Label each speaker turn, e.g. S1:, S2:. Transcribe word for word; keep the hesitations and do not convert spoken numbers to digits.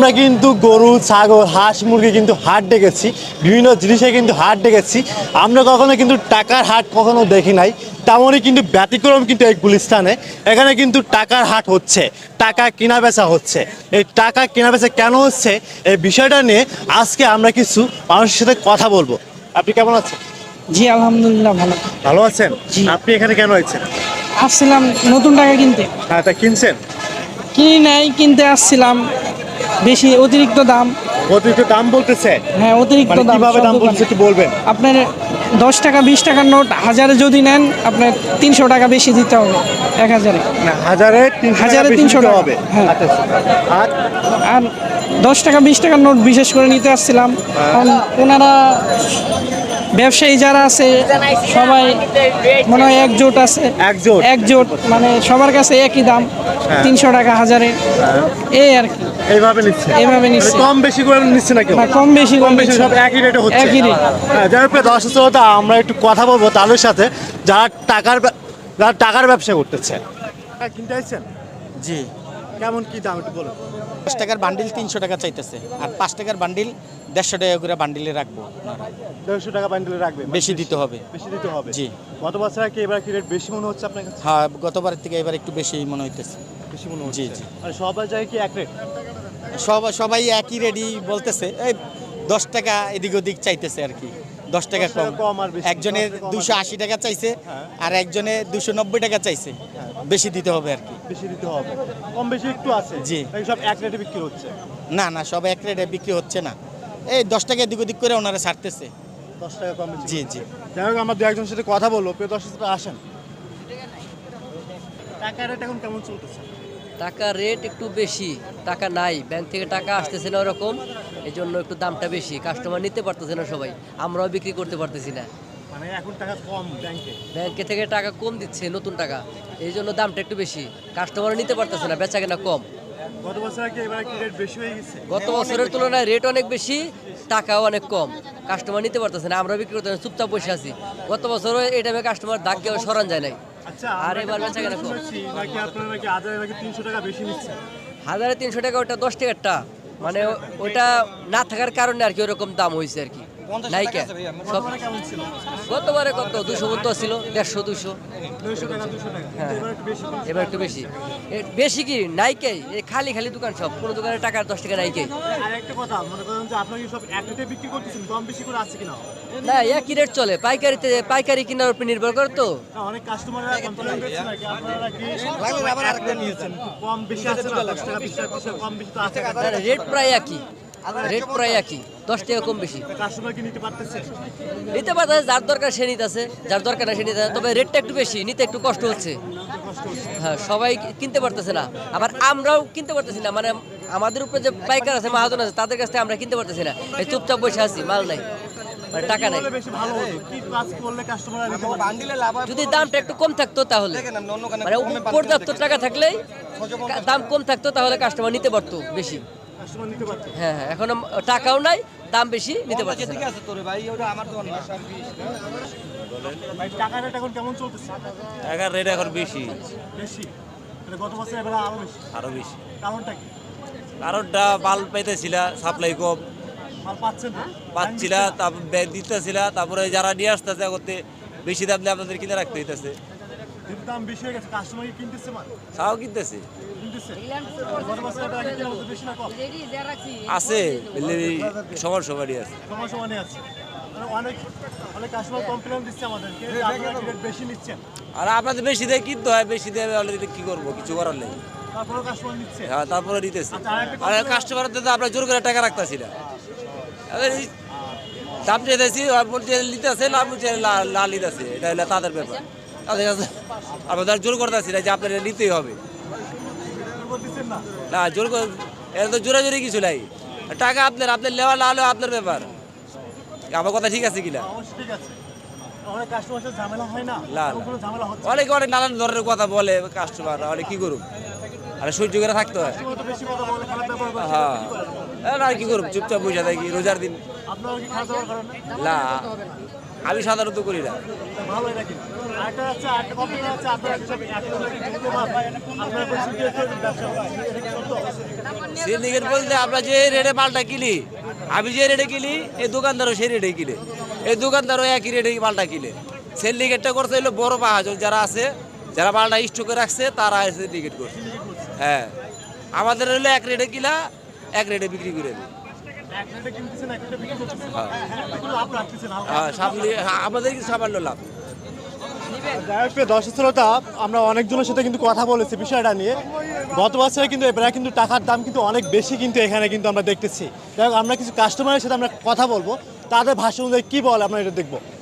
S1: আমরা কিন্তু গরু ছাগল হাঁস মুরগি কিন্তু হাট ডেকেছি, বিভিন্ন জিনিসে কিন্তু হাট ডেকেছি। আমরা কখনো কিন্তু টাকার হাট কখনো দেখি নাই, তেমনই কিন্তু ব্যতিক্রম কিন্তু এই গুলিস্তানে। এখানে কিন্তু টাকার হাট হচ্ছে, টাকা কেনা বেচা হচ্ছে। এই টাকা কেনা বেচা কেন হচ্ছে এই বিষয়টা নিয়ে আজকে আমরা কিছু মানুষের সাথে কথা বলবো। আপনি কেমন আছেন?
S2: জি আলহামদুলিল্লাহ ভালো।
S1: ভালো আছেন?
S2: জি।
S1: আপনি এখানে কেন আছেন?
S2: আসছিলাম নতুন টাকা কিনতে।
S1: হ্যাঁ, তা কিনছেন?
S2: কিনি নাই, কিনতে আসছিলাম, বেশি অতিরিক্ত দাম।
S1: অতিরিক্ত দাম বলতেছে?
S2: হ্যাঁ অতিরিক্ত
S1: মানে
S2: দাম।
S1: কিভাবে
S2: সব
S1: দাম
S2: দোকানে।
S1: বলতেছে একটু বলবেন?
S2: আপনার দশ টাকা বিশ টাকার নোট হাজারে যদি নেন আপনার তিনশো টাকা বেশি দিতে হবে এক হাজারে।
S1: না, হাজারে তিনশো টাকা
S2: হাজারে
S1: বেশি
S2: তিনশো
S1: দিতে
S2: টাকা।
S1: হবে।
S2: হ্যাঁ।
S1: আচ্ছা আচ্ছা। আর
S2: আর দশ টাকা বিশ টাকার নোট বিশেষ করে নিতে আসছিলাম, কারণ ওনারা ব্যবসায়ী যারা আছে সবাই মনে হয় একজোট আছে।
S1: একজোট।
S2: একজোট মানে সবার কাছে একই দাম,
S1: হ্যাঁ।
S2: তিনশো টাকা হাজারে, এই আর কি।
S1: এইভাবে নিচ্ছে?
S2: এইভাবে নিচ্ছে।
S1: মানে কম বেশি করে নিচ্ছে না কেউ?
S2: না, কম বেশি
S1: কম বেশি
S2: নিচ্ছে।
S1: সব একই রেটে হচ্ছে?
S2: একই রেট।
S1: হ্যাঁ, যার উপরে দশ শ্রোতা আমরা একটু কথা বলবো তাদের সাথে যারা টাকার ব্যা- যারা টাকার ব্যবসা করতেছে। টাকা কিনতে আসছেন?
S3: জি।
S1: কেমন কি দাম একটু বলুন।
S3: দশ টাকার বান্ডিল তিনশো টাকা চাইতেছে, আর পাঁচ টাকার বান্ডিল দেড়শো টাকা করে বান্ডিলে রাখবো।
S1: দেড়শো টাকা বান্ডেলে রাখবে?
S3: বেশি দিতে হবে।
S1: বেশি দিতে হবে?
S3: জি।
S1: গত বছর কি এবার কি রেট বেশি মনে হচ্ছে আপনার কাছে?
S3: হ্যাঁ, গতবারের থেকে এবার একটু বেশি মনে হইতেছে।
S1: বেশি মনে হচ্ছে?
S3: জি, জি।
S1: মানে সবার জায়গায় কি এক রেট?
S3: সব সবাই একই রেডি বলতেছে, এই দশ টাকা এদিক ওদিক চাইতেছে আর কি, দশ টাকা
S1: দশ টাকা
S3: কম।
S1: কম আর বেশি।
S3: একজনের
S1: দশ টাকা কম আর
S3: দুশো আশি টাকা চাইছে,
S1: হ্যাঁ।
S3: আর একজনে দুশো নব্বই টাকা চাইছে। বেশি দিতে হবে আর কি।
S1: বেশি দিতে হবে? কম বেশি একটু আছে?
S3: জি।
S1: এই সব এক রেটে বিক্রি হচ্ছে?
S3: না না, সব এক রেটে বিক্রি হচ্ছে না, এই দশ টাকা এদিক ওদিক করে ওনারা ছাড়তেছে।
S1: দশ টাকা কম বেশি?
S3: জি জি।
S1: যাই হোক, আমরা দু একজনের সাথে কথা বলবো। প্রিয় দর্শকরা আসেন। টাকা রেট এখন কেমন চলতেছে?
S4: টাকা রেট একটু বেশি, টাকা নাই, ব্যাংক থেকে টাকা আসতেছে না ওরকম, এই জন্য একটু দামটা বেশি, কাস্টমার নিতে পারতেছে না সবাই, আমরাও বিক্রি করতে পারতেছি না।
S1: মানে এখন টাকা কম ব্যাংকে?
S4: ব্যাংকে থেকে টাকা কম দিচ্ছে, নতুন টাকা, এই জন্য দামটা একটু বেশি, কাস্টমারও নিতে পারতেছে না, বেচা কেনা কম।
S1: গত বছর কি এবার কি রেট বেশি হয়ে গেছে?
S4: গত বছরের তুলনায় রেট অনেক বেশি, টাকাও অনেক কম, কাস্টমার নিতে পারতেছে না, আমরা বিক্রি করতে না, চুপচাপ বসে আছি। গত বছরও এই টাইমে কাস্টমার দাগ কেউ সরান যায় নাই।
S1: আচ্ছা,
S4: আর
S1: আমরা
S4: এবার
S1: একটা
S4: বেচা কেনা কম।
S1: শুনেছি নাকি আপনারা নাকি হাজারে নাকি তিনশো টাকা বেশি নিচ্ছেন?
S4: হাজারে তিনশো টাকা, ওটা দশ টাকারটা, মানে ওটা না থাকার কারণে আর কি ওরকম দাম হয়েছে আর কি, নাইকা সব।
S1: গতবারে কেমন ছিল?
S4: গতবারে কত দুশো পর্যন্ত ছিল, দেড়শো দুশো,
S1: দুইশো টাকা দুশো টাকা?
S4: হ্যাঁ।
S1: এবার একটু বেশি কিনছে।
S4: এবার একটু বেশি। এ বেশি কি নাইকাই, এই খালি খালি দোকান সব, কোনো দোকানে টাকা দশ টাকা নাইকাই।
S1: আর একটা কথা, মনে করেন যে আপনারা কি সব এক রেটে বিক্রি করতেছেন, কম বেশি করে আছে কিনা?
S4: না, একই রেট চলে, পাইকারিতে পাইকারি কেনার উপর নির্ভর করে তো।
S1: না, অনেক কাস্টমাররা কমপ্লেইন করছে নাকি আপনারা কি এক রেট নিয়েছেন, কম বেশি আছে না? দশ টাকা বিশ টাকা বিশ টাকা কম বেশি তো আছে?
S4: রেট প্রায় একই, রেট প্রায় একই, দশ টাকা কম বেশি।
S1: কাস্টমার কি নিতে পারতেছে?
S4: নিতে পারতেছে, যার দরকার সে নিতেছে, যার দরকার না সে নিতে, তবে রেটটা একটু বেশি, নিতে একটু কষ্ট হচ্ছে। হ্যাঁ, সবাই কিনতে পারতেছে না, আবার আমরাও কিনতে পারতেছি না, মানে আমাদের উপরে যে পাইকার আছে, মাহাজন আছে, তাদের কাছ থেকে আমরা কিনতে পারতেছি না, এই চুপচাপ বসে আছি, মাল নাই, মানে টাকা নাই।
S1: বললে বেশি ভালো হতো, কি কাজ করলে কাস্টমাররা নিতে পারবে?
S4: যদি দামটা একটু কম থাকতো তাহলে, মানে পর্যাপ্ত টাকা থাকলে দাম কম থাকতো তাহলে কাস্টমার নিতে পারতো বেশি।
S1: কাস্টমার নিতে পারতো?
S4: হ্যাঁ হ্যাঁ, এখন টাকাও নাই, দাম বেশি, নিতে পারছে না।
S1: ভাই, টাকা রেট এখন কেমন চলতেছে?
S5: টাকার রেট এখন বেশি,
S1: বেশি? মানে গত বছর এবার আরো বেশি?
S5: আরো বেশি।
S1: কারণটা কি?
S5: কারণটা মাল পাইতেছিল, সাপ্লাই কম
S1: মাল পাচ্ছেন না?
S5: পাচ্ছিল, তারপর ব্যাগ দিতেছিল, তারপরে যারা নিয়ে আসতেছে করতে বেশি দাম দিয়ে আপনাদের কিনে রাখতে হইতেছে।
S1: কিন্তু দাম বেশি হয়ে গেছে, কাস্টমার কি কিনতেছে মাল?
S5: তাও কিনতেছে,
S1: কিনতেছে? গত বছর এটা আগে কেনা হতো বেশি না কম?
S5: আছে সমান সমানই আছে।
S1: সমান সমানই আছে। মানে অনেক অনেক কাস্টমার কমপ্লেন দিচ্ছে আমাদেরকে যে আপনারা কি রেট বেশি নিচ্ছেন।
S5: আর আপনাদের বেশি দিয়ে কিনতে হয়, বেশি দিয়ে অলরেডি কি করবো, কিছু করার নেই।
S1: তারপরেও কাস্টমার নিচ্ছে।
S5: হ্যাঁ, তারপরে নিতেছে।
S1: আচ্ছা, আরেকটা
S5: আর কাস্টমারদের তো আমরা জোর করে টাকা রাখতেছি না, এবার এই দাম চেয়েছি নিতে আছে, লাভ লাল নিতেছে, এটা হলো তাদের ব্যাপার। তাদের কাছে আমরা জোর করতেছি না যে আপনারা নিতেই হবে।
S1: দিচ্ছেন না?
S5: না, জোর করে এটা তো জোরাজোরি কিছু নাই, টাকা আপনার, আপনার নেওয়া না হলেও আপনার ব্যাপার। আমার কথা ঠিক আছে কিনা?
S1: অবশ্যই ঠিক আছে। অনেক কাস্টমার সাথে ঝামেলা হয় না?
S5: না,
S1: এরকম কোনো ঝামেলা হচ্ছে?
S5: অনেক অনেক নানান ধরনের কথা বলে কাস্টমার, অনেক কি করুক, আর সহ্য করে থাকতে হয়।
S1: কাস্টমার তো বেশি কথা বলে, খারাপ ব্যবহার করে,
S5: হ্যাঁ,
S1: কি করেন?
S5: আর কি করুক, চুপচাপ বসে থাকি রোজার দিন।
S1: আপনারা কি খারাপ ব্যবহার করেন না?
S5: না, আমি সাধারণত করি না।
S1: ভালো এটা কি আরেকটা আছে আরেকটা কমপ্লেন আছে আপনারা সব একদম আপনারা কোনো সিন্ডিকেট ব্যবসা এটা কি সত্য?
S5: সিন্ডিকেট বলতে আমরা যে রেটে মালটা কিনি, আমি যে রেটে কিনি এই দোকানদারও সেই রেটে কিনে, এই দোকানদারও একই রেটে মালটা কিনে। সিন্ডিকেটটা করতে হলো বড় মহাজন যারা আছে, যারা মালটা স্টকে রাখছে তারা সিন্ডিকেট করছে। হ্যাঁ, আমাদের হলো এক রেটে কিনা এক রেটে বিক্রি করে দেয়।
S1: এক রেটে কিনতেছেন এক রেটে বিক্রি করতেছেন কোনো লাভ রাখতেছেন হালকা।
S5: হ্যাঁ, সামনে আমাদের কিছু সামান্য লাভ।
S1: যাই হোক, দর্শক শ্রোতা, আমরা অনেকজনের সাথে কিন্তু কথা বলেছি বিষয়টা নিয়ে। গত বছরে কিন্তু এবার কিন্তু টাকার দাম কিন্তু অনেক বেশি কিন্তু এখানে কিন্তু আমরা দেখতেছি। যাই হোক, আমরা কিছু কাস্টমারের সাথে আমরা কথা বলবো, তাদের ভাষা অনুযায়ী কী বলে আমরা এটা দেখবো।